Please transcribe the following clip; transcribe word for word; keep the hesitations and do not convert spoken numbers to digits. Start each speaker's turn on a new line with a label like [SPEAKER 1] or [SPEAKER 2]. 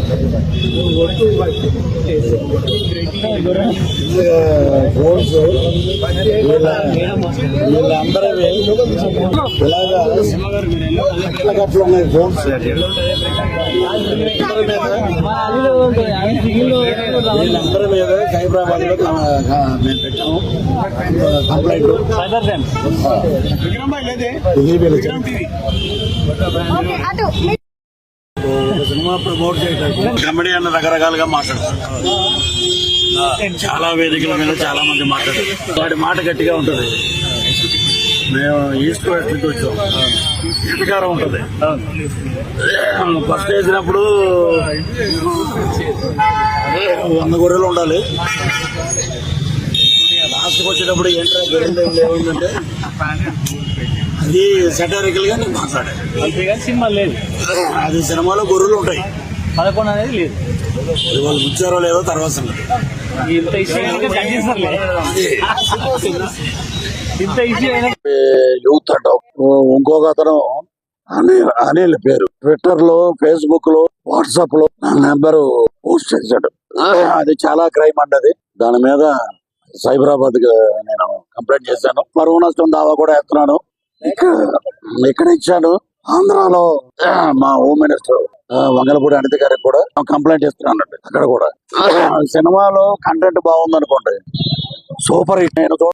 [SPEAKER 1] Phones వీళ్ళందరూ ఇలాగా గట్ల ఉన్నాయి ఫోన్స్. వీళ్ళందరి మీద సైబరాబాద్ లో మేము పెట్టాము కంప్లైంట్. సినిమా ప్రమోట్ చేయడానికి కమెడీ అన్న రకరకాలుగా మాట్లాడతారు. చాలా వేదికల మీద చాలా మంది మాట్లాడారు. వాడి మాట గట్టిగా ఉంటుంది. మేము ఈస్ట్ వెస్ట్ నుంచి వచ్చాం. అధికారం ఉంటుంది. ఫస్ట్ వేసినప్పుడు వంద గొర్రెలు ఉండాలి. లాస్ట్కి వచ్చేటప్పుడు ఏంటో గొర్రెలు ఏముందంటే అది సెటారికల్ గా నేను మాట్లాడాను.
[SPEAKER 2] అంతేగాని సినిమా లేదు.
[SPEAKER 1] అది సినిమాలో గొర్రెలు ఉంటాయి,
[SPEAKER 2] పదకొండు అనేది లేదు.
[SPEAKER 1] అది వాళ్ళు ఉంచారో లేదో తర్వాత సంగతి.
[SPEAKER 2] ఇంత ఇష్యూ ఇంత ఇష్యూ అయినా
[SPEAKER 1] యూత్ అంటావు. ఇంకొక అతను అనిల్ అనిల్ పేరు ట్విట్టర్ లో, ఫేస్బుక్ లో, వాట్సాప్ లో నా నెంబర్ పోస్ట్ చేశాడు. అది చాలా క్రైమ్ అండి. దాని మీద సైబరాబాద్ నేను కంప్లైంట్ చేశాను. పరువు నష్టం దావా కూడా వేస్తున్నాను. ఇక్కడ ఇక్కడ ఇచ్చాను. ఆంధ్రాలో మా హోమ్ మినిస్టర్ వంగలపూడి అనిత గారికి కూడా కంప్లైంట్ ఇస్తున్నాను. అక్కడ కూడా సినిమాలో కంటెంట్ బాగుందనుకోండి, సూపర్ హిట్. నేను